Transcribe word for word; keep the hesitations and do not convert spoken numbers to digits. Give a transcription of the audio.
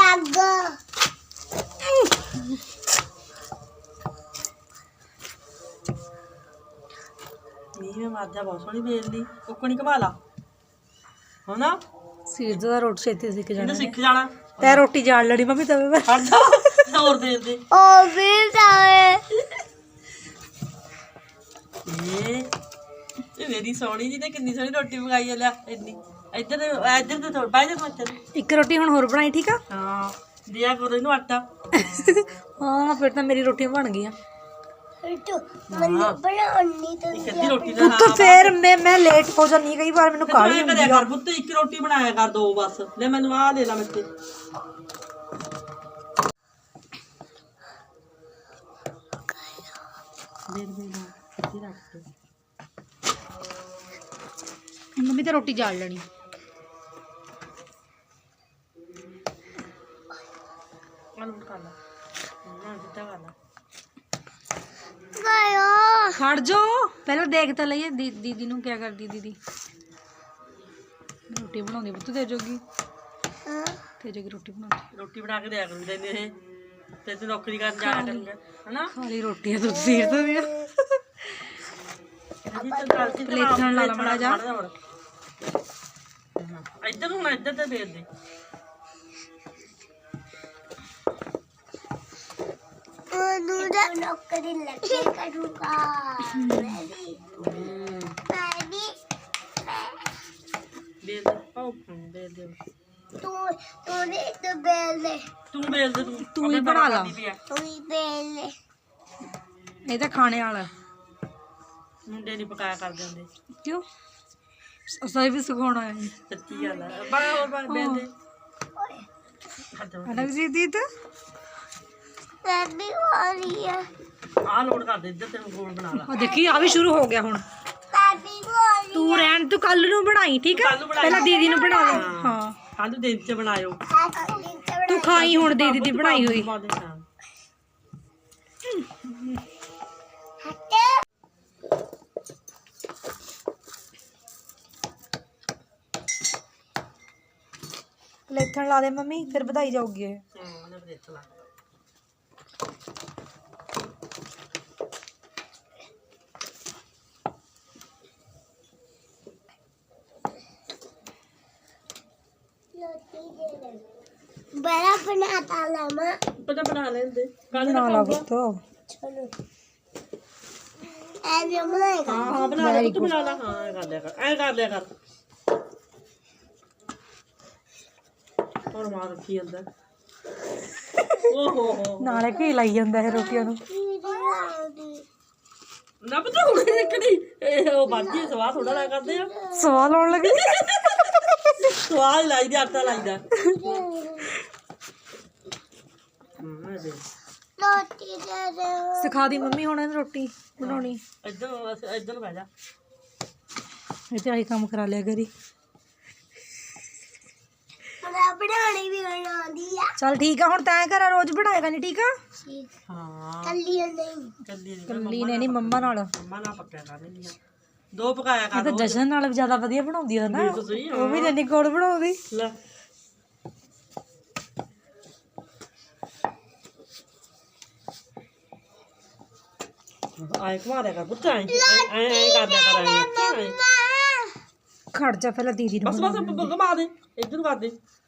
ਨੀ ਮੈਂ ਮਾਜਾ ਬਹੁਤ ਸੋਹਣੀ ਵੇਲਦੀ ਕੁੱਕਣੀ ਘਵਾ ਲਾ ਹਨਾ ਸੀਰਜ ਦਾ ਰੋਟੀ ਛੇਤੀ ਸਿੱਖ ਜਾਣਾ ਸਿੱਖ ਜਾਣਾ ਤੈ ਰੋਟੀ ਜਾਣ ਲੜੀ ਮੰਮੀ ਤਵੇ ਮੈਂ ਹਟ ਜਾ ਹੋਰ ਦੇ ਦੇ ਉਹ ਵੀ ਜਾਵੇ ਇਹ ਇਹ ਮੇਰੀ ਸੋਹਣੀ ਜੀ ਤੇ ਕਿੰਨੀ ਸੋਹਣੀ ਰੋਟੀ ਪਕਾਈ ਆ ਲੈ ਇੰਨੀ ਇੱਧਰ ਇੱਧਰ ਤੇ ਥੋੜਾ ਬਾਹਰ ਮੱਚ ਇੱਕ ਰੋਟੀ ਹੁਣ ਹੋਰ ਬਣਾਈ ਠੀਕ ਆ ਹਾਂ ਦਿਆ ਕਰੋ ਇਹਨੂੰ ਆਟਾ ਹਾਂ ਫਿਰ ਤਾਂ ਮੇਰੀ ਰੋਟੀਆਂ ਬਣ ਗਈਆਂ ਮੈਨੂੰ ਬਣਾਉਣੀ ਤਾਂ ਇੱਕ ਅੱਧੀ ਰੋਟੀ ਦਾ ਪੁੱਤ ਫੇਰ ਮੈਂ ਮੈਂ ਲੇਟ ਹੋ ਜਾਂਦੀ ਕਈ ਵਾਰ ਮੈਨੂੰ ਕਾਹਲੀ ਕਰਿਆ ਕਰ ਪੁੱਤ ਇੱਕ ਰੋਟੀ ਬਣਾਇਆ ਕਰ ਦੋ ਬਸ ਲੈ ਮੈਨੂੰ ਆਹ ਦੇ ਲਾ ਮਿੱਤੇ ਦੇ ਦੇ ਨਾ ਇੱਥੇ ਰੱਖ ਦੇ ਮੰਮੀ ਤਾਂ ਰੋਟੀ ਜਾਲ ਲੈਣੀ ਆਲੂ ਕਰ ਲਾ ਨਾ ਜਿੱਦਾਂ ਕਰ ਲਾ ਗਾਇਓ ਖੜ ਜਾ ਪਹਿਲਾਂ ਦੇਖ ਤਾਂ ਲਈਏ ਦੀ- ਦੀਦੀ ਨੂੰ ਕਿਆ ਕਰਦੀ ਦੀਦੀ ਰੋਟੀ ਬਣਾਉਂਦੀ ਪੁੱਤ ਤੇ ਜੋਗੀ ਤੇ ਜੋਗੀ ਰੋਟੀ ਬਣਾਉਂਦੀ ਰੋਟੀ ਬਣਾ ਕੇ ਦਿਆ ਕਰੂ ਤੈਨੂੰ ਇਹ ਤੇ ਤੂੰ ਨੌਕਰੀ ਕਰਨ ਜਾਇਆ ਕਰੂੰਗਾ ਹਨਾ ਖਾਲੀ ਰੋਟੀ ਆ ਤੂੰ ਸੀਰ ਤੋਂ ਵੀ ਪਲੇਟਾਂ ਲਾ ਲਾ ਮਾੜਾ ਜਾ ਇੱਧਰ ਨੂੰ ਨਾ ਇੱਧਰ ਤੇ ਵੇਚ ਦੇ ਉਹਨੂੰ ਦਾ ਨੌਕਰੀ ਲੱਗੇ ਕਰੂਗਾ ਮੈਂ ਵੀ ਮੈਂ ਵੀ ਵੇਚ ਦੇ ਪਾਉ ਵੇਚ ਦੇ ਤੂੰ ਤੂੰ ਨੇ ਤੇ ਬੇਲ ਦੇ ਤੂੰ ਵੇਚ ਦੇ ਤੂੰ ਤੂੰ ਹੀ ਬਣਾ ਲਾ ਤੂੰ ਹੀ ਬੇਲ ਦੇ ਇਹ ਤਾਂ ਖਾਣੇ ਵਾਲਾ ਮੁੰਡੇ ਨਹੀਂ ਪਕਾਇਆ ਕਰਦੇ ਹੁੰਦੇ ਕਿਉਂ ਅਸਾਂ ਵੀ ਸਿਖਾਉਣਾ ਹੈ ਸੱਚੀ ਗੱਲ ਹੈ ਬੜਾ ਹੋਰ ਬਣ ਵੇਚ ਦੇ ਅਨਕ ਜੀ ਦੀਦ ਮੈਂ ਵੀ ਹੋ ਰਹੀ ਹੈ ਆਹ ਲੋਡ ਕਰ ਦੇ ਇੱਧਰ ਤੈਨੂੰ ਗੋਲ ਬਣਾ ਲਾ ਉਹ ਦੇਖੀ ਆ ਵੀ ਸ਼ੁਰੂ ਹੋ ਗਿਆ ਹੁਣ ਮੈਂ ਵੀ ਹੋ ਰਹੀ ਤੂੰ ਰਹਿਣ ਤੂੰ ਕੱਲ ਨੂੰ ਬਣਾਈ ਠੀਕ ਹੈ ਕੱਲ੍ਹ ਨੂੰ ਬਣਾਈ। ਪਹਿਲਾਂ ਦੀਦੀ ਨੂੰ ਬਣਾ ਲੈ ਹਾਂ ਕੱਲ ਦਿਨ ਚ ਬਣਾਇਓ ਤੂੰ ਖਾਈ ਹੁਣ ਦੀਦੀ ਦੀ ਬਣਾਈ ਹੋਈ ਪਲੇਥਣ ਲਾ ਦੇ ਮੰਮੀ ਫਿਰ ਵਧਾਈ ਜਾਊਗੀ ਇਹ बड़ा बनाता लामा ਪਤਾ ਬਣਾ ਲੈਂਦੇ ਕੱਲ ਬਣਾ ਲਾ ਪੁੱਤ चलो ऐसे बनाएगा ਹਾਂ ਹਾਂ ਬਣਾ ਲੈ ਤੂੰ ਬਣਾ ਲਾ ਹਾਂ ਐ ਕਰ ਲਿਆ ਕਰ ਐ ਕਰ ਲਿਆ ਕਰ ਹੋਰ ਮਾਰ ਰੱਖੀ ਅੰਦਰ ਓਹੋ ਹੋ ਨਾਲੇ ਕੀ ਲਾਈ ਜਾਂਦਾ ਇਹ ਰੋਟੀਆਂ ਨੂੰ ਨਾ ਪਤਾ ਹੁਣ ਦੇਖਣੀ ਇਹ ਉਹ ਬਾਜੀ ਸਵਾਦ ਥੋੜਾ ਲਾ ਕਰਦੇ ਆ ਸਵਾਲ ਆਉਣ ਲੱਗੇ ਸਵਾਦ ਲਾਈ ਦੀ ਆਟਾ ਲਾਈਦਾ ਹਾਂ ਦੇ रोटी दे दे ਸਿਖਾ ਦੀ ਮੰਮੀ ਹੁਣ ਇਹਨੂੰ ਰੋਟੀ ਬਣਾਉਣੀ ਇੱਧਰ ਇੱਧਰ ਬਹਿ ਜਾ ਇਹ ਤੇ ਆਹੀ ਕੰਮ ਕਰਾ ਲਿਆ ਕਰੀ मैं बनाने भी बनाती है ਚੱਲ ਠੀਕ ਆ ਹੁਣ ਤੈਂ ਘਰ ਰੋਜ਼ ਬਣਾਏਗਾ ਨਹੀਂ ਠੀਕ ਆ ਹਾਂ कल्ली नहीं ਕੱਲੀ ਨਹੀਂ ਕੱਲੀ ਨੇ ਨਹੀਂ ਮੰਮਾ ਨਾਲ ਮੰਮਾ ਨਾਲ ਪੱਕਿਆ ਕਰ ਲੈਂਦੀਆਂ ਦੋ ਪਕਾਇਆ ਇਹ ਕਰ ਤਾਂ ਜਸ਼ਨ ਨਾਲ ਵੀ ਜ਼ਿਆਦਾ ਵਧੀਆ ਬਣਾਉਂਦੀ ਆ ਨਾ ਤਾਂ ਸਹੀ ਉਹ ਵੀ ਜੰਨੀ ਕੋਲ ਬਣਾਉਂਦੀ ਲੈ ਆਏ ਘੁਮਾ ਦਿਆ ਕਰ ਪੁੱਤ ਐ ਐ ਕਰ ਦਿਆ ਕਰ ਐ ਖੜ ਜਾ ਪਹਿਲਾਂ ਦੀਦੀ ਨੂੰ ਬਸ ਬਸ ਘੁਮਾ ਦੇ ਇੱਧਰ ਨੂੰ ਕਰ ਦੇ